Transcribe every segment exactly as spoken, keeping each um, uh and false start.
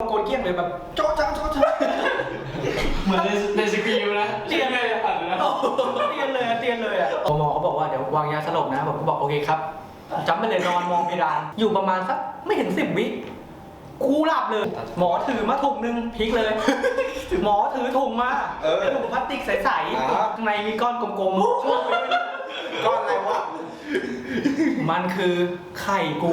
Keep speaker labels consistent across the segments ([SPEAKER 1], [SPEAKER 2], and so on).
[SPEAKER 1] โกนเกี้ยงเลยแบบโจ๊ะจ้าโจ๊ะจ้า
[SPEAKER 2] เหมือนในสกิลนะ
[SPEAKER 1] เตียนเลยอ่ะเตียนเลยเตียนเลยอ่ะหมอเขาบอกว่าเดี๋ยววางยาสลบนะผมก็บอกโอเคครับจำไปเลยนอนมองเพดานอยู่ประมาณสักไม่ถึงสิบวิกูหลับเลยหมอถือมาถุงนึงพลิกเลยหมอถือถุงมาเป็นถุงพลาสติกใสๆข้างในมีก้อนกลมๆช่วงไป
[SPEAKER 3] ก้อนอะไรวะ
[SPEAKER 1] มันคือไข่กู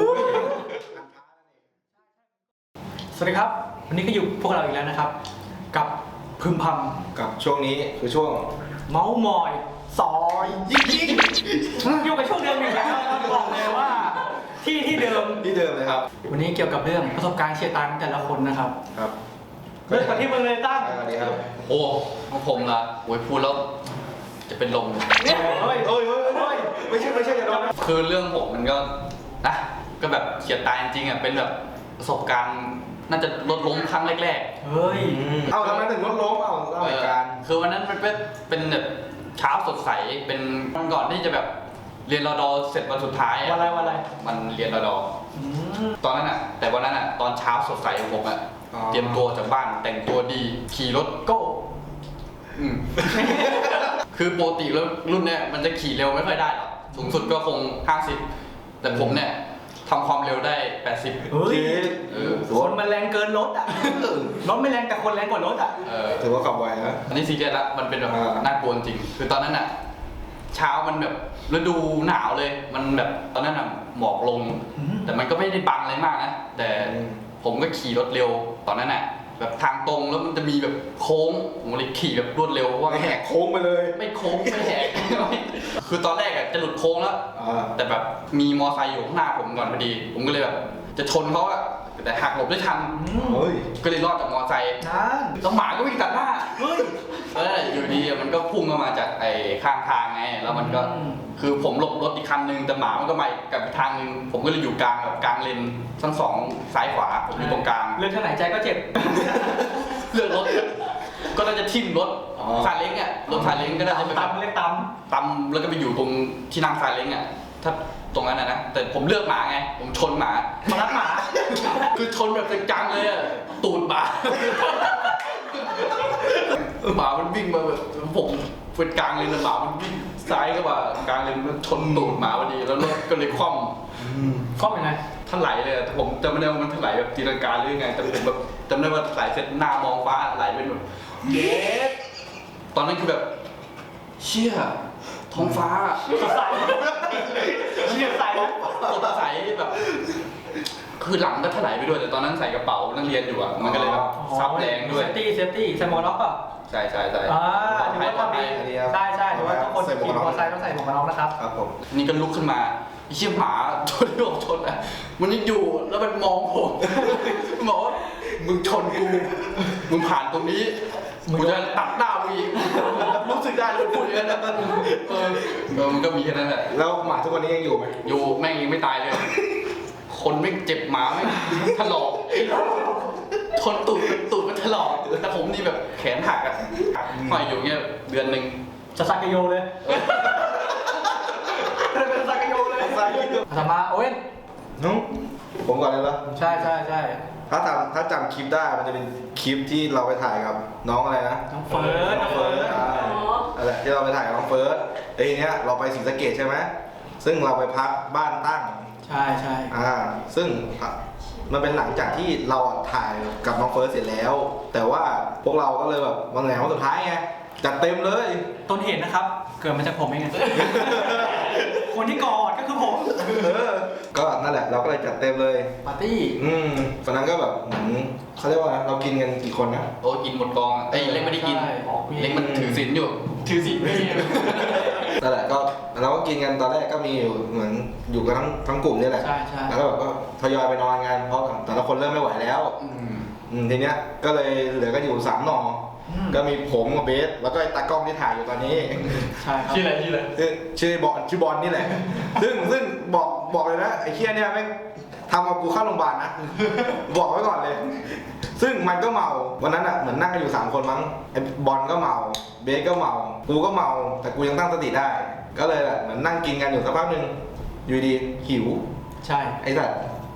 [SPEAKER 1] สวัสดีครับวันนี้ก็อยู่พวกเราอีกแล้วนะครับกับพึมพำ
[SPEAKER 3] กับช่วงนี้คือช่วง
[SPEAKER 1] เมาส์มอยซอยยิงยิงอยู่กับช่วงเดิมอยู่แล้วบอกเลยว่าที่ที่เดิม
[SPEAKER 3] ที่เดิมเลยครับ
[SPEAKER 1] วันนี้เกี่ยวกับเรื่องประสบการณ์เชียร์ตังแต่ละคนนะครับ
[SPEAKER 3] ครับ
[SPEAKER 1] เริ่มกันที่มึงเลยตั้ง
[SPEAKER 3] สวัสดีครับ
[SPEAKER 2] โอ้ของผมละโอ้ยพูดแล้วจะเป็นลม
[SPEAKER 1] เนี่ยเฮ้ย
[SPEAKER 3] เฮ้ยเฮ้ยเฮ้ยไม่ใช่ไม่ใช่อย่าโดน
[SPEAKER 2] คือเรื่องผมมันก็นะก็แบบเฉียดตายจริงๆอ่ะเป็นแบบประสบการณ์น่าจะรถล้มครั้งแรก
[SPEAKER 1] ๆเฮ้ย
[SPEAKER 3] เอาทำไมถึงรถล้มเอาเล่าเหตุการณ์
[SPEAKER 2] คือวันนั้นมันเป็นเป็นแบบเช้าสดใสเป็นวันก่อนที่จะแบบเรียนรอดอเสร็จวันสุดท้าย
[SPEAKER 1] วันอะไรวันอะไร
[SPEAKER 2] มันเรียนรอดอตอนนั้นอ่ะแต่วันนั้นอ่ะตอนเช้าสดใสของผมอ่ะเตรียมตัวจากบ้านแต่งตัวดีขี่รถโก้คือปกติแล้วรุ่นเนี้ยมันจะขี่เร็วไม่ค่อยได้หรอกสูงสุดก็คงห้าสิบแต่ผมเนี่ยทำความเร็วได้แปดสิบ
[SPEAKER 1] เฮ้ยคนมันแรงเกินรถอ่ะรถไม่แรงแต่คนแรงกว่ารถอ่ะ
[SPEAKER 3] ถือว่าขับไวนะ
[SPEAKER 2] อันนี้ซีเรียสละมันเป็นแบบน่ากลัวจริงคือตอนนั้นอ่ะเช้ามันแบบฤดูหนาวเลยมันแบบตอนนั้นอ่ะหมอกลงแต่มันก็ไม่ได้บังอะไรมากนะแต่ผมก็ขี่รถเร็วตอนนั้นอ่ะแบบทางตรงแล้วมันจะมีแบบโค้งผมเลยขี่แบบรวดเร็วว่า
[SPEAKER 3] แหกโค้งไปเลย
[SPEAKER 2] ไม่โค้งไม่แหกคือตอนแรกอะจะหลุดโค้งแล้วแต่แบบมีมอไซค์อยู่ข้างหน้าผมก่อนพอดีผมก็เลยแบบจะชนเขาอะแต่หักหลบได้ทันก็เลยรอดจากมอไซค์แล้วหมาก็วิ่งตัดหน้าเฮ้ยแล้วอยู่ดีมันก็พุ่งเข้ามาจากไอ้ข้างทางไงแล้วมันก็คือผมหลบรถอีกคันนึงแต่หมามันก็มากับทางนึงผมก็เลยอยู่กลางแบบกลางเลนทั้งสองซ้ายขวาผมอยู่ตรงกลาง
[SPEAKER 1] เลือกทางไหนใจก็เจ็บ
[SPEAKER 2] เลือกรถก็น่าจะทิ่มรถซาเล้งอ่ะรถซาเล้งก็น่าจะไป
[SPEAKER 1] ตำเล็กต
[SPEAKER 2] ำตำแล้วก็ไปอยู่ตรงที่นั่งซาเล้งอ่ะถ้าตรงนั้นนะนะแต่ผมเลือกหมาไงผมชนหมา
[SPEAKER 1] มารักหมา
[SPEAKER 2] คือชนแบบจังๆเลยอ่ะตูดหมาหมามันวิ่งมาแบบผมเป็นกลางเลนหมามันวิ่งซ้ายเข้ามากลางเลนมันชนตูดหมาพอดีแล้วรถก็เลยคว่
[SPEAKER 1] ำคว่ำยังไง
[SPEAKER 2] ถลายเลยผมจำไม่ได้ว่ามันถลายแบบตีลังกาหรือยังไงแต่ผมแบบจำได้ว่าถลายเสร็จหน้ามองฟ้าไหลเป็นแบบเย้ตอนนั้นคือแบบเชี่ยท้องฟ้า
[SPEAKER 1] สดใสเชี่ยใส
[SPEAKER 2] สดใสแบบคือหลังก็ถลายไปด้วยแต่ตอนนั้นใส่กระเป๋านักเรียนอยู่อ่ะมันก็เลยแบบซับแรงด้วย
[SPEAKER 1] เซฟตี้เซฟตี้ใส่หมวกน็อกป่ะ
[SPEAKER 2] ใช่ใช่ใช่
[SPEAKER 1] อ่าถือว่าทำดีใช่ใช่ถือว่าทุกคนขี่มอเตอร์ไซค์ต้องใส่หมวกน็อกนะครับ
[SPEAKER 3] ครับผม
[SPEAKER 2] นี่ก็ลุกขึ้นมาเชี่ยหมาชนโดนชนอ่ะมันยังอยู่แล้วมันมองผมบอกว่ามึงชนกูมึงผ่านตรงนี้มึงจะตัดหน้ามึงอีกรู้สึกได้เลยพูดอย่างนั้นเออเออมันก็มีแค่นั้นแหละ
[SPEAKER 3] แล้วหมาทุกวันนี้ยังอยู่ไหม
[SPEAKER 2] อยู่แม่งยังไม่ตายเลยคนไม่เจ็บหมาไม่ถลอกชนตูดตูดมันถลอกแต่ผมนี่แบบแขนหักอ่ะห้อยอยู่เงี้ยเดือนหนึ่ง
[SPEAKER 1] จะสักกโยเลยเป็นสักกโยเลยธรรมะโอ้ย
[SPEAKER 3] นุ๊กผมก่อนเลยเหรอ
[SPEAKER 1] ใช่ใช่ใช่
[SPEAKER 3] ถ้าจำถ้าจำคลิปได้มันจะเป็นคลิปที่เราไปถ่ายกับน้องอะไรนะ
[SPEAKER 1] น้องเฟิร์สน้องเฟิร์ส
[SPEAKER 3] อะไรที่เราไปถ่ายกับน้องเฟิร์สไอ้เนี้ยเราไปศรีสะเกษใช่ไหมซึ่งเราไปพักบ้านตั้ง
[SPEAKER 1] ใช่ใช่
[SPEAKER 3] อ่าซึ่งมันเป็นหลังจากที่เราถ่ายกับน้องเฟิร์สเสร็จแล้วแต่ว่าพวกเราก็เลยแบบวันไหนวันสุดท้ายไงจัดเต็มเลย
[SPEAKER 1] ต้นเหตุนะครับเกิดมาจากผมเองคนที่กอดก็คือผม
[SPEAKER 3] ก็นั่นแหละเราก็เลยจัดเต็มเลย
[SPEAKER 1] ปาร์ตี้
[SPEAKER 3] อืมตอนนั้นก็แบบเหมือนเขาเรียกว่าเรากินกันกี่คนนะ
[SPEAKER 2] โอ้กินหมดกองไอ้เล็กไม่ได้กินเล็กมันถือศีลอยู่
[SPEAKER 1] ถือศีลไม่
[SPEAKER 3] นั่นแหละก็เราก็กินกันตอนแรกก็มีอยู่เหมือนอยู่กันทั้งทั้งกลุ่มนี่แหละ
[SPEAKER 1] ใช่ใช่
[SPEAKER 3] แล้วก็แบบก็ทยอยไปนอนกันเพราะแต่ละคนเริ่มไม่ไหวแล้วอืมทีเนี้ยก็เลยเหลือกันอยู่สามหน่อก็มีผมกับเบสแล้วก็ไอ้ตากล้องที่ถ่ายอยู่ตอนนี้
[SPEAKER 1] ใช่ครับ
[SPEAKER 2] ชื่ออะไรชื่ออะไร
[SPEAKER 3] ชื่อบอลชื่อบอลนี่แหละซึ่งซึ่งบอกบอกเลยนะไอ้เคี้ยเนี่ยแม่งทำเอากูเข้าโรงพยาบาลนะบอกไว้ก่อนเลยซึ่งมันก็เมาวันนั้นอ่ะเหมือนนั่งกันอยู่สามคนมั้งไอ้บอลก็เมาเบสก็เมากูก็เมาแต่กูยังตั้งสติได้ก็เลยแบบเหมือนนั่งกินกันอยู่สักพักหนึ่งอยู่ดีหิว
[SPEAKER 1] ใช่
[SPEAKER 3] ไอ้สัตว์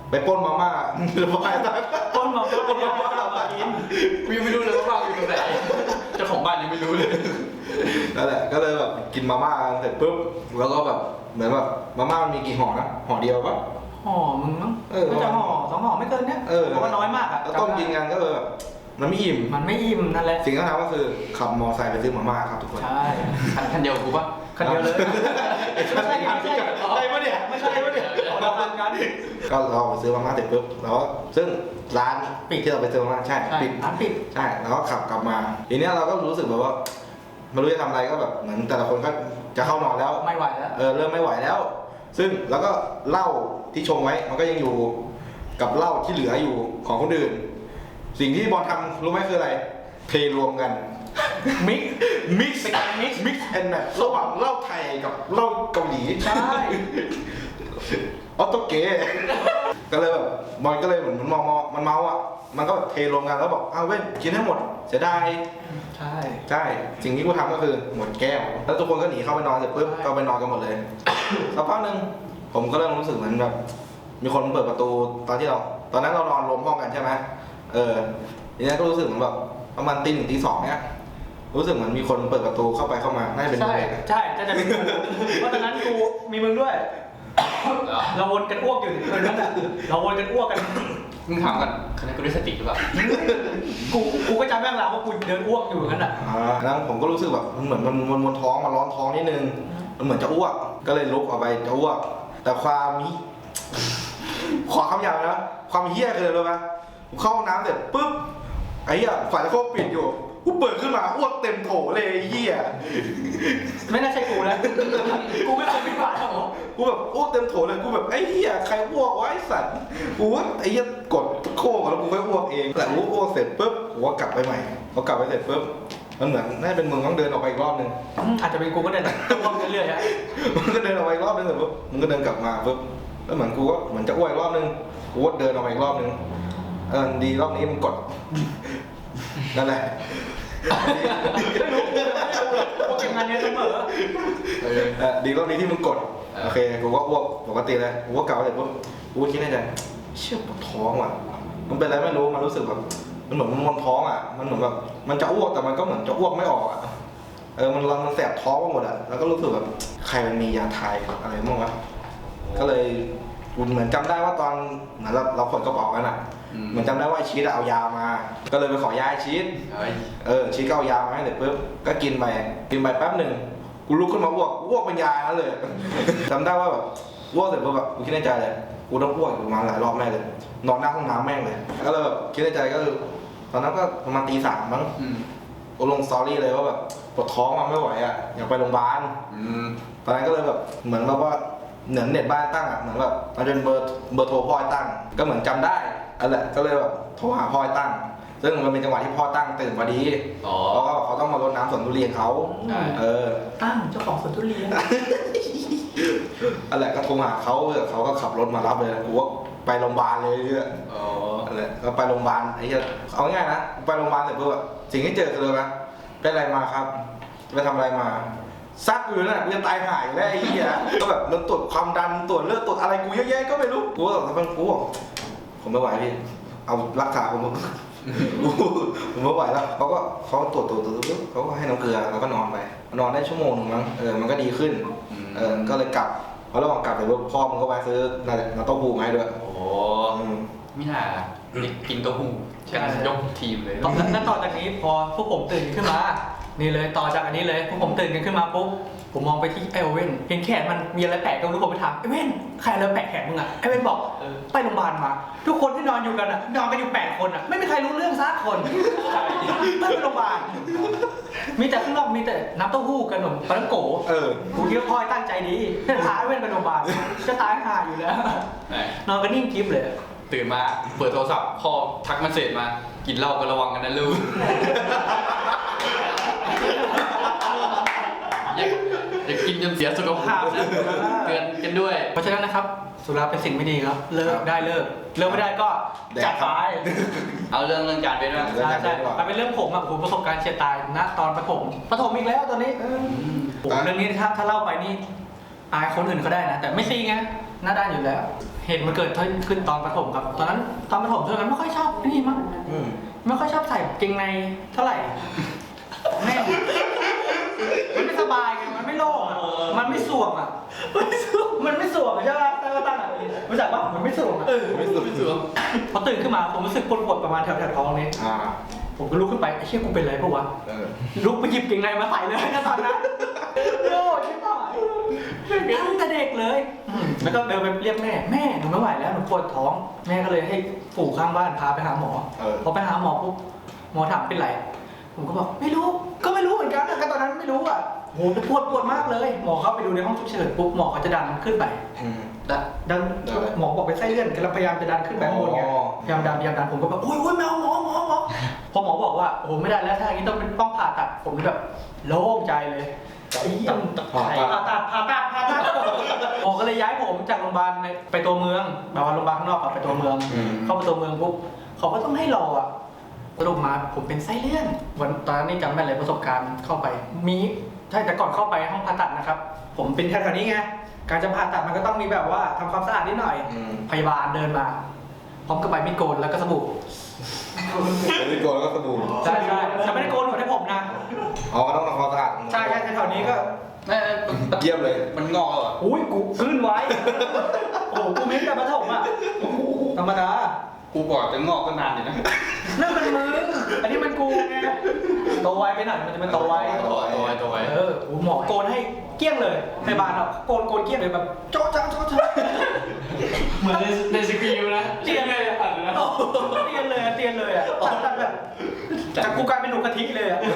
[SPEAKER 3] ไปปล้นมาม่าหรือว่าอะไร
[SPEAKER 1] ต้นมาม่าต้นมาม่ามากิน
[SPEAKER 2] กูยังไม่รู้เลยว่าบ้านอยู่ตรงไหนเจ้าของบ้านยังไม่รู้เลย
[SPEAKER 3] นั่นแหละก็เลยแบบกินมาม่ากันเสร็จปุ๊บแล้วก็แบบเหมือนแบบมาม่ามันมีกี่ห่อนะห่อเดียวปะ
[SPEAKER 1] ห่อมึงมั้ง
[SPEAKER 3] เออ
[SPEAKER 1] น่าจะห่อสองห่อไม่เกินเนี้ย
[SPEAKER 3] เออ
[SPEAKER 1] เพราะว่าน้อยมากอะ
[SPEAKER 3] แล้วต้มกินกันก็เลยแบบมันไม่อิ่ม
[SPEAKER 1] มันไม่อิ่มนั่นแหละ
[SPEAKER 3] สิ่งที่ทำก็คือขับมอไซค์ไปซื้อมาม่าครับทุกคน
[SPEAKER 1] ใช่
[SPEAKER 2] คันคันเดียวกูปะ
[SPEAKER 1] คันเดียวเลยไม่ใช่ไม่ใช่
[SPEAKER 3] ใช่ปะเนี่ย
[SPEAKER 1] ไม่ใช่ปะเนี่ยเราทำกัน
[SPEAKER 3] ก็เราไปซื้อมาม่าเสร็จปุ๊บแล้วซึ่งร้านปิดที่เราไปซื้อมาม่าใช่
[SPEAKER 1] ใช่
[SPEAKER 3] ปิด
[SPEAKER 1] ร้านปิด
[SPEAKER 3] ใช่แล้วก็ขับกลับมาทีเนี้ยเราก็รู้สึกแบบว่าไม่รู้จะทำอะไรก็แบบเหมือนแต่ละคนก็จะเข้านอนแล้ว
[SPEAKER 1] ไม่ไหวแล้ว
[SPEAKER 3] เออเริ่มไม่ไหวแล้ว ซึ่งแล้วก็เหล้าที่ชงไว้มันก็ยังอยู่กับเหล้าที่เหลืออยู่ของคนอื่น สิ่งที่บอลทำรู้ไหมคืออะไรเทรวมกัน
[SPEAKER 1] มิก
[SPEAKER 3] มิกซ์
[SPEAKER 1] เป็นการ mix
[SPEAKER 3] มิกซ์แอนด์แมทระหว่างเหล้าไทยกับเหล้าเกาหลี
[SPEAKER 1] ใช่
[SPEAKER 3] ออโตเกะก็เลยแบบบอลก็เลยเหมือนมันเมาๆมันเมาอ่ะมันก็แบบเทรวมกันแล้วบอกอ้าวเว้ยกินให้หมดเสียดาย
[SPEAKER 1] ใช่
[SPEAKER 3] ใช่สิ่งที่กูทำก็คือหมดแก้วแล้วทุกคนก็หนีเข้าไปนอนเสร็จปุ๊บก็ไปนอนกันหมดเลยสักพักหนึ่งผมก็เริ่มรู้สึกเหมือนแบบมีคนเปิดประตูตอนที่เรา ตอนนั้นเรานอนรวมห้องกันใช่ไหมเออทีนี้ก็รู้สึกเหมือนแบบประมาณตีหนึ่งตีสองเนี้ยรู้สึกเหมือนมีคนเปิดประตูเข้าไปเข้ามาน่าจะเป็น
[SPEAKER 1] ใช่
[SPEAKER 3] มึง
[SPEAKER 1] ใช่จะจะเป็นกูเพราะตอนนั้นกูมีมึงด้วย
[SPEAKER 2] เหรอ
[SPEAKER 1] เราวนกันอ้วกอยู่คืนนั้นอะเราวนกันอ้วกกัน
[SPEAKER 2] มึงถามกันคันนี้กูได้สติหรือเปล่า
[SPEAKER 1] กูกูก็จำแม่งแล้วว่ากูเดินอ้วกอยู่อย่างนั้นอ่ะ
[SPEAKER 3] อ่าแล้วผมก็รู้สึกแบบมันเหมือนมันมันมันท้องมันร้อนท้องนิดนึงมันเหมือนจะอ้วกก็เลยลุกออกไปจะอ้วก แต่ความฮิขอคำหยาบนะความเฮี้ยคืออะไรรู้ไหมผมเข้าห้องน้ำเสร็จปุ๊บไอ้เหี้ยฝาตะโครกปิดอยู่กูเปิดขึ้นมาอ้วกเต็มโถเลยไอ้เหี้ย
[SPEAKER 1] ไม่น่าใช่กูนะกูไม่เคยเป็นหวานหรอก
[SPEAKER 3] กูแบบอ้วกเต็มโถเลยกูแบบไอ้เหี้ยใครอ้วกวะไอ้สัตว์กูว่าไอ้เหี้ยกดโค้งแล้วกูค่อยอ้วกเองแต่กูอ้วกเสร็จปุ๊บกูก็กลับไปใหม่พอกลับไปเสร็จปุ๊บมันเหมือนน่าจะเป็นมึงต้องเดินออกไปอีกรอบนึง
[SPEAKER 1] อาจจะเป็นกูก็เดินอ้วกเรื่อยๆฮะ
[SPEAKER 3] มึงก็เดินออกไปอีกรอบนึงเสร็จปุ๊บมึงก็เดินกลับมาปุ๊บแล้วเหมือนกูก็เหมือนจะอ้วกอีกรอบนึงกูก็เดินออกไปอีกรอบนึงเออดีรอบนี้มึงกดนั่นแหละ
[SPEAKER 1] ไม่รู้ไม่รู้กูเก็บงานเนี้ยเสมอ
[SPEAKER 2] เออ
[SPEAKER 3] เออดีรอบนี้ที่มึงกด
[SPEAKER 2] เออ
[SPEAKER 3] โอเคกูก็อ้วกปกติเลยกูก็กลับมาเสร็จปุ๊บกูก็คิดในใจเชี่ยปวดท้องว่ะมันเป็นอะไรไม่รู้มันรู้สึกแบบมันเหมือนมันมวนท้องอ่ะมันเหมือนแบบมันจะอ้วกแต่มันก็เหมือนจะอ้วกไม่ออกอ่ะเออมันมันแสบท้องไปหมดอ่ะแล้วก็รู้สึกแบบใครมันมียาไทยอะไรบ้างวะก็เลยกูเหมือนจำได้ว่าตอนเหมือนเราเราขนกระเป๋ากันอ่ะ
[SPEAKER 2] อืม
[SPEAKER 3] เหมือนจำได้ว่าไอ้ชีสอะเอายามา ก็เลยไปขอยาไอ้ชีส
[SPEAKER 2] เฮ้ย
[SPEAKER 3] เออชีสก็เอายามาให้เสร็จปุ๊บก็กินไปกินไปแป๊บหนึ่งกูลุกขึ้นมาอ้วกอ้วกเป็นยานั่นเลย จำได้ว่าแบบอ้วกเสร็จปุ๊บแบบกูคิดในใจเลยกูต้องอ้วกอยู่ประมาณหลายรอบแม่เลย นอนหน้าห้องน้ำแม่งเลยก็เลยแบบคิดในใจก็คือตอนนั้นก็ประมาณตีสามมั้ง
[SPEAKER 2] อืม
[SPEAKER 3] กูลงสตอรี่เลยว่าแบบปวดท้องมาไม่ไหวอ่ะอยากไปโรงพยาบาล
[SPEAKER 2] อืม
[SPEAKER 3] ตอนนั้นก็เลยแบบเหมือนแบบว่าเหมือนเน็ตบ้านตั้งอ่ะเหมือนแบบมันเป็นเบอร์เบอร์โทรพ่อตั้ง ก็เหมือนจำได้อันแหละก็เลยแบบโทรหาพ่อตั้ง ซึ่งมันเป็นจังหวะที่พ่อตั้งตื่นพอดี
[SPEAKER 2] อ๋อ
[SPEAKER 3] เพราะว่าเขาต้องมารดน้ำสวนทุเรียนเขา
[SPEAKER 2] ใช่
[SPEAKER 3] เออ
[SPEAKER 1] ตั้งเจ้าของสวนทุเรียน
[SPEAKER 3] อันแหละก็โทรหาเขาเออเขาก็ขับรถมารับเลยกูว่าไปโรงพยาบาลเลยเนี่ย
[SPEAKER 2] อ๋อ
[SPEAKER 3] อันแหละก็ไปโรงพยาบาลไอ้เหี้ยเอาง่ายๆนะไปโรงพยาบาลเสร็จปุ๊บอะสิ่งที่เจอคืออะไรไหมเป็นอะไรมาครับไปทำอะไรมาซักอยู่นั่นแหละกูจะตายหายแล้วไอ้เหี้ยก็แบบมันตรวจความดันตรวจเลือดตรวจอะไรกูเยอะแยะก็ไม่รู้กูก็แบบกูบอกผมไม่ไหวพี่เอารักษาผม ผมไม่ไหวแล้วเขาก็เขาตรวจตรวจตรวจปุ๊บเขาก็ให้น้ำเกลือแล้วก็นอนไปนอนได้ชั่วโมงหนึงมั้งเออมันก็ดีขึ้น
[SPEAKER 2] อืม
[SPEAKER 3] เออก็เลยกลับพอระหว่างกลับไปปุ๊บพ่อมันก็ไปซื้อน้ำเต้าหู้มาให้ด้วย
[SPEAKER 2] โอ้
[SPEAKER 3] อืม
[SPEAKER 2] ไม่น่าเด็กกินเต้าหู้กันยกทีมเลย
[SPEAKER 1] ตอนนั้นต่อจากนี้พอพวกผมตื่นขึ้นมา นี่เลยต่อจากอันนี้เลยพวกผมตื่นกันขึ้นมาปุ๊บผมมองไปที่ไอโอเว่นเห็นแขนมันมีอะไรแปลกก็ทุกคนไปถามไอเว่นใครอะไรแปลกแขนมึงอ่ะไอเว่นบอกเออไปโรงพยาบาลมา ทุกคนที่นอนอยู่กันอ่ะนอนกันอยู่แปดคนอ่ะไม่มีใครรู้เรื่องสักคนไม่ไปโรงพยาบาลมีแต่ข้างนอกมีแต่น้ำเต้าหู้กับขนมปังโก
[SPEAKER 3] เออ
[SPEAKER 1] กูคิดว่าพ่อตั้งใจดีพาไอเว่นไปโรงพยาบาลจะตายห่าอยู่แล้ว
[SPEAKER 2] ไหน
[SPEAKER 1] นอนกันนิ่งกิ๊บเลย
[SPEAKER 2] ตื่นมาเปิดโทรศัพท์พ่อทักมาเสร็จมา กินเหล้าก็ระวังกันนะลูก อย่าอย่ากินจนเสียสุขภาพนะเตือนกันด้วย
[SPEAKER 1] เพราะฉะนั้นนะครับสุราเป็นสิ่งไม่ดีครับ เลิกได้เลิกเลิกไม่ได้ก็จัดไป
[SPEAKER 2] เอาเรื่องเรื่องการเป็นบ้าง
[SPEAKER 3] เรื่อง
[SPEAKER 1] ใช่
[SPEAKER 3] การ
[SPEAKER 1] ใช่มันเป็นเรื่องผมอะผมประสบการณ์เฉียดตายณตอนประถมประถมอีกแล้วตอนนี้เออโอ้โหเรื่องนี้ถ้าถ้าเล่าไปนี่อายคนอื่นเขาได้นะ แต่ไม่ซีไงหน้าด้านอยู่แล้ว เหเหตุมันเกิดขึ้นตอนประถมครับ ตอนนั้นตอนประถมช่วงนั้นไม่ค่อยชอบนี่มั้ง
[SPEAKER 3] อืม
[SPEAKER 1] ไม่ค่อยชอบใส่เกงในเท่าไหร่แม่งมันไม่สบายไงมันไม่โล่งอ่ะมันไม่สวมอ่ะมันไม่สวมใช่ไหมตั้งตั้งอ่ะรู้จักปะมันไม่สวมอ่ะ
[SPEAKER 3] ไม่สุดไม่สุด
[SPEAKER 1] พอตื่นขึ้นมาผมรู้สึกปวดๆประมาณแถวๆท้องนี้
[SPEAKER 3] อ่า
[SPEAKER 1] ผมก็ลุกขึ้นไปไอ้เชี่ยกูเป็นไรปะวะ
[SPEAKER 3] เออ
[SPEAKER 1] ลุกไปหยิบเกงในมาใส่เลยนะตอนนั้นโอ้ชิบหายตั้งแต่เด็กเลยอืมแล้วก็เดินไปเรียกแม่แม่หนูไม่ไหวแล้วหนูปวดท้องแม่ก็เลยให้ปู่ข้างบ้านพาไปหาหมอ
[SPEAKER 3] เออ
[SPEAKER 1] พอไปหาหมอปุ๊บหมอถามเป็นไรผมก็บอกไม่รู้ก็ไม่รู้เหมือนกันนะก็ตอนนั้นไม่รู้อ่ะโหปวดปวดมากเลยหมอเข้าไปดูในห้องฉุกเฉินปุ๊บหมอเขาจะดันขึ้นไป
[SPEAKER 3] อืม
[SPEAKER 1] ดันดัน
[SPEAKER 3] ได้
[SPEAKER 1] หมอบอกเป็นไส้เลื่อนกำลังพยายามจะดันขึ้นไปข้างบนไง
[SPEAKER 3] อ๋อ
[SPEAKER 1] พยายามดันพยายามดันผมก็แบบโอ้ยโอ้ยแมวหมอหมอหมอพอหมอบอกว่าโอ้โหไม่ได้แล้วถ้าอย่างนี้ต้องเป็นต้องผ่าตัดผมแบบโล่งใจเลยไอ้เหี้ย
[SPEAKER 3] ผ่าตัด
[SPEAKER 1] ผ่าตัดผ่าตัดผ่าตัดหมอก็เลยย้ายผมจากโรงพยาบาลไปตัวเมืองแบบว่าโรงพยาบาลข้างนอกอะไปตัวเมือง
[SPEAKER 3] อืม
[SPEAKER 1] เข้าไปตัวเมืองปุ๊บเขาก็ต้องให้รออ่ะสรุปมาผมเป็นไส้เลื่อนวันตอนนั้นนี่จำได้เลยประสบการณ์เข้าไปมีใช่แต่ก่อนเข้าไปห้องผ่าตัดนะครับ ผมเป็นแถวๆนี้ไงการจะผ่าตัดมันก็ต้องมีแบบว่าทำความสะอาดนิดหน่อย
[SPEAKER 3] อืม
[SPEAKER 1] พยาบาลเดินมาพร้อมกับใบมีดโกนแล้วก็สบู่
[SPEAKER 3] ไม่โกนแล้วก็สบู่
[SPEAKER 1] ใช่ใช่แต่ไม่ได้โกนหัวให้ผมนะ
[SPEAKER 3] อ๋อก็ต้องทำความสะอาด
[SPEAKER 1] ใช่ใช่แถวๆนี้ก็
[SPEAKER 2] เอ้ย
[SPEAKER 3] เยี่ยมเลย
[SPEAKER 2] มันงอกแล้วเหรอ
[SPEAKER 1] อุ้ยกูขึ้นไว้ โอ้โหกูมิ้นแต่ประถมอ่ะธรรมดา
[SPEAKER 2] กูบอกจะงอกก็นานอยู่นะ
[SPEAKER 1] นั่นมันมึงอันนี้มันกูไงโตไวไปหน่อยมันจะเป็นโตไว
[SPEAKER 2] ตัวไว้ตัวไว้ตัวไว้
[SPEAKER 1] เออโอ้หมอโกนให้เกลี้ยงเลยพยาบาลอ่ะโกนโกนเกลี้ยงเลยแบบโจ๊ะจ้าโจ๊ะจ้า
[SPEAKER 4] เหมือนในในสกิลนะ
[SPEAKER 1] เตียนเลยอ่ะเตียนเลยอ่ะเตียนเลยอ่ะตัดตัดแบบจากกูกลายเป็นหนูกะทิเลยอ่ะ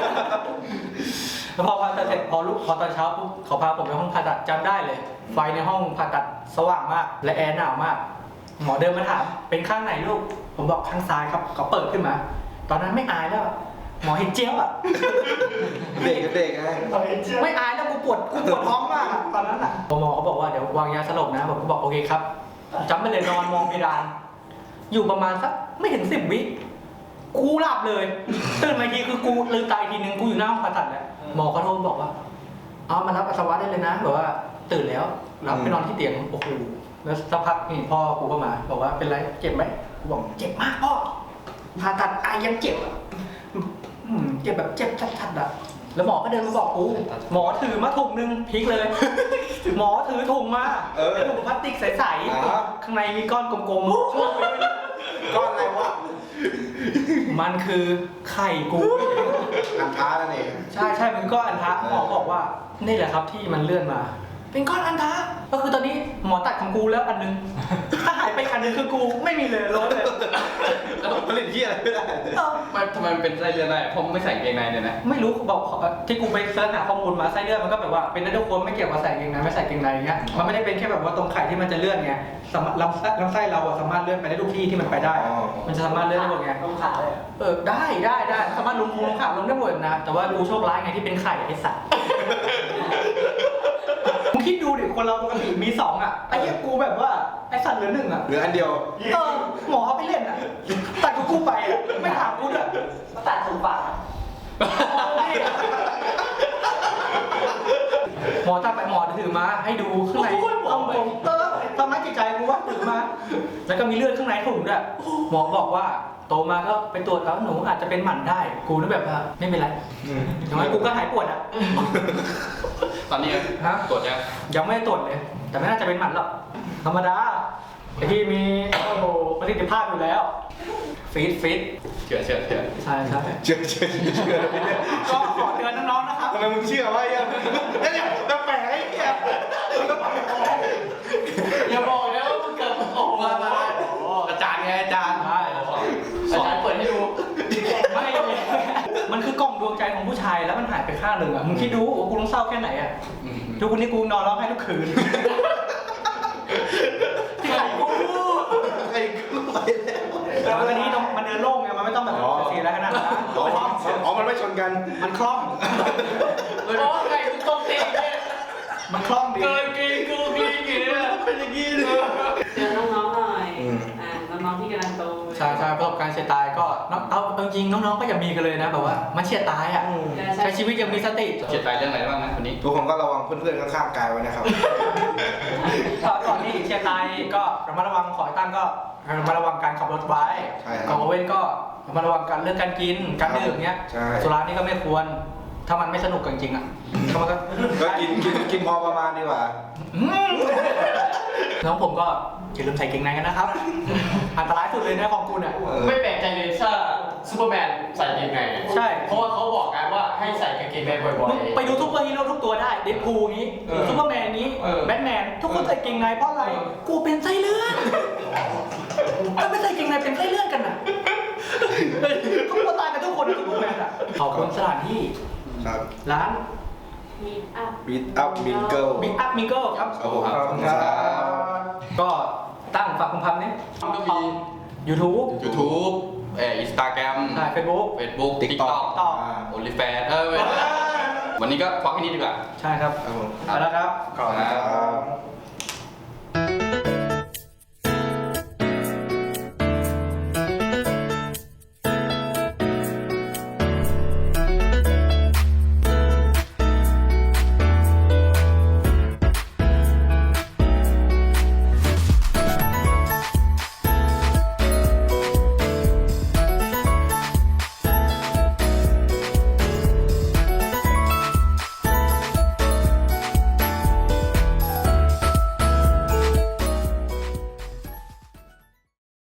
[SPEAKER 1] แล้วพอผ่าตัดเสร็จพอลุกพอตอนเช้าปุ๊บเขาพาผมไปห้องผ่าตัดจำได้เลย ไฟในห้องผ่าตัดสว่างมาก และแอร์หนาวมาก หมอเดินมาถามเป็นข้างไหนลูกผมบอกข้างซ้ายครับเขาเปิดขึ้นมา ตอนนั้นไม่อายแล้วอะหมอเห็นเจี๊ยบอ่ะ
[SPEAKER 3] เด็กกับเด็กไง
[SPEAKER 1] ไม่อายแล้วกูปวดกูปวดท้องมากอะตอนนั้นอ่ะหมอเขาบอกว่าเดี๋ยววางยาสลบนะผมก็บอกโอเคครับจำไปเลยนอนมองเพดานอยู่ประมาณสักไม่ถึงสิบวิกูหลับเลยตื่นมาอีกทีคือกูลืมตาอีกทีนึงกูอยู่หน้าห้องผ่าตัดแล้วหมอเขาโทรบอกว่าเอามารับปัสสาวะได้เลยนะแบบว่าตื่นแล้วรับไปนอนที่เตียงโอ้โหแล้วสักพักนี่พ่อกูก็มาบอกว่าเป็นไรเจ็บไหมกูบอกเจ็บมากพ่อผ่าตัดไอยังเจ็บอ่ะอืมเจ็บแบบเจ็บชัดๆอ่ะแล้วหมอก็เดินมาบอกกูหมอถือมาถุงนึงพลิกเลย หมอถือถุงมา
[SPEAKER 3] เออ
[SPEAKER 1] เป็นถุงพลาสติกใส
[SPEAKER 3] อ่า
[SPEAKER 1] ๆข้างในมีก้อนกลมๆช่วงไว้ด้วย
[SPEAKER 3] ก้อนอะไรวะ
[SPEAKER 1] มันคือไข่กู
[SPEAKER 3] อันท้านั่นเอง
[SPEAKER 1] ใช่ใช่มันก้อนอันทะหมอบอกว่านี่แหละครับที่มันเลื่อนมา เป็นก้อนอันทะก็คือตอนนี้หมอตัดของกูแล้วอันนึง ถ้าหายไปอันนึงคือกูไม่มีเลยล้นเลย
[SPEAKER 3] ผลิตที่อะไรไม่ได้
[SPEAKER 1] เออ
[SPEAKER 2] ไม่ทำไมมันเป็นไส้เลื่อนได้ผมไม่ใส่เกงในเนี่ยนะ
[SPEAKER 1] ไม่รู้บอกที่กูไปเสิร์ชหาข้อมูลมาไส้เลื่อนมันก็แบบว่าเป็นได้ทุกคนไม่เกี่ยวกับใส่เกงในไม่ใส่เกงในเงี้ยมันไม่ได้เป็นแค่แบบว่าตรงไข่ที่มันจะเลื่อนไงสามารถลำไส้ลำไส้เราอะสามารถเลื่อนไปได้ทุกที่ที่มันไปได้
[SPEAKER 3] อ๋อ
[SPEAKER 1] มันจะสามารถเลื่อนได้หมดไง
[SPEAKER 4] ต้องขาเลย
[SPEAKER 1] เออได้ได้ได้สามารถลงพุงขาลงได้หมดนะ แต่ว่ากูโชคร้ายไงที่เป็นไข่ไอ้สัตว์ มึงคิดดูดิคนเราปกติมีสองอ่ะไอ้เหี้ยกูแบบว่าไอ้สัตว์เหลือหนึ่งอ่ะ
[SPEAKER 3] เหลืออันเดียว
[SPEAKER 1] เออหมอเขาไปเล่นอ่ะตัดกูกูไปอ่ะไม่ถามกูด้วย
[SPEAKER 4] มาตัดถุงปาก
[SPEAKER 1] หมอตัดไปหมอถือมาให้ดูข้างในต้องผมเออทำร้ายจิตใจกูว่าถือมา แล้วก็มีเลือดข้างในถุงด้วยหมอบอกว่าโตมาก็ไปตรวจแล้วหนูอาจจะเป็นหมันได้ กูนึกแบบว่าไม่เป็นไร
[SPEAKER 3] อืม
[SPEAKER 1] อย่างน้อยกูก็หายปวดอ่ะ
[SPEAKER 2] ตอนนี้
[SPEAKER 1] ฮะ
[SPEAKER 2] ตรวจยัง
[SPEAKER 1] ยังไม่ได้ตรวจเลย แต่ไม่น่าจะเป็นหมันหรอก ธรรมดาไอ้ที่มีโอ้โหประสิทธิภาพอยู่แล้ว ฟิตฟิต
[SPEAKER 2] เชื่อเชื่อเชื่อ
[SPEAKER 1] ใช่ใช่
[SPEAKER 3] เชื่อเชื่อเชื่อไม่ได้
[SPEAKER 1] ก็ขอเตือนน้องๆนะครับ
[SPEAKER 3] ทำไมมึงเชื่อวะไอ้เหี้ยไอ้เนี่ยแปลกๆไอ้เหี้ย
[SPEAKER 4] อย่าบอกนะว่ามึงเกิดโอ้โห
[SPEAKER 2] มามาอาจารย์ไงอาจารย์
[SPEAKER 1] ใช่
[SPEAKER 4] อาจารย์เปิดให้ดู
[SPEAKER 1] ไม่เลยมันคือกล่องดวงใจของผู้ชายแล้วมันหายไปข้างหนึ่งอ่ะ มึงคิดดูว่ากูต้องเศร้าแค่ไหนอ่ะ
[SPEAKER 2] อืม
[SPEAKER 1] ทุกวันนี้กูนอนร้องไห้ทุกคืน ที่ไหนกู
[SPEAKER 3] ไอ้กูไปแล้ว
[SPEAKER 1] แต่วันนี้มันเดินโล่งไง มันไม่ต้องแบบเสียอะไรขนาดนั้นนะ
[SPEAKER 3] อ๋ออ๋อมันไม่ชนกัน
[SPEAKER 1] มันคล่อง
[SPEAKER 4] โอ้ไก่มึงตรงตีเนี่ย
[SPEAKER 1] มันคล่องดี
[SPEAKER 4] เกินกีกูกีกีเนี่ย
[SPEAKER 3] เป็นอย่างนี้เลย
[SPEAKER 5] เจอน้องๆหน่อย
[SPEAKER 3] อืม
[SPEAKER 5] อ่าน้องๆที่กำลังโต
[SPEAKER 1] ใช่ใช่ประสบการณ์เสียตายก็น้องเอาเออจริงๆน้องๆก็อย่ามีกันเลยนะแบบว่ามันเฉียดตายอ่ะใช้ชีวิตยังมีสติ
[SPEAKER 2] เจ็บใจเรื่องอะไรบ้างนะคนนี้
[SPEAKER 3] ทุกคนก็ระวังเพื่อนๆข้างๆกายไว้นะครับ
[SPEAKER 1] ก่อนก่อนที่เฉียดตายก็ระมัดระวังขอให้ตั้งก็ระมัดระวังการขับรถไว้
[SPEAKER 3] ใช่ครับ
[SPEAKER 1] ก่อนเว้นก็ระมัดระวังการเรื่องการกินการดื่มเนี้ย
[SPEAKER 3] ใช่
[SPEAKER 1] สุรานี่ก็ไม่ควรถ้ามันไม่สนุกจริงๆอ่ะก็มันก็
[SPEAKER 3] ก็กินกินกินพอประมาณดีกว่า
[SPEAKER 1] อืมน้องผมก็อย่าลืมใส่เกงในกันนะครับ อันตรายสุดเลยนะของคุณอ่ะ
[SPEAKER 4] ไม่แปลกใจเลยถ้าซูเปอร์แมนใส่กางเกงใน
[SPEAKER 1] ใช่
[SPEAKER 4] เพราะว่าเขาบอกกันว่าให้ใส่กางเกงในบ่อย
[SPEAKER 1] มึงไปดูซุปเปอร์ฮีโร่ทุกตัวได้เดดพูลนี้
[SPEAKER 4] เออ
[SPEAKER 1] ซุปเปอร์แมนนี้
[SPEAKER 4] เออ
[SPEAKER 1] แบทแมนทุกคนใส่เกงในเพราะอะไร กูเป็นไส้เลื่อนถ้าไม่ใส่เกงในเป็นไส้เลื่อนกันน่ะเขากลัวตายกันทุกคนนะซุปเปอร์แมนอ่ะขอบคุณสถานที่
[SPEAKER 3] ครับ
[SPEAKER 1] ร้าน
[SPEAKER 5] มีอัพ
[SPEAKER 3] Beat Up Mingle
[SPEAKER 1] บิ๊กอัพมิงเกิลครับ
[SPEAKER 3] ครับผม
[SPEAKER 2] ขอบคุณครับ
[SPEAKER 1] ก็ตั้งฝากคุณพันนี้
[SPEAKER 2] มันก็มี
[SPEAKER 1] YouTube
[SPEAKER 2] YouTube เอ่อ Instagram
[SPEAKER 1] ใช่ Facebook
[SPEAKER 2] Facebook
[SPEAKER 3] TikTok
[SPEAKER 2] TikTok
[SPEAKER 1] ต่อ
[SPEAKER 2] OnlyFans เออเว้ยวันนี้ก็ฟังแค่นี้ดีกว่า
[SPEAKER 1] ใช่ครับ
[SPEAKER 3] ครับผม
[SPEAKER 1] ไปแล้วครับ
[SPEAKER 3] ขอบคุณครับ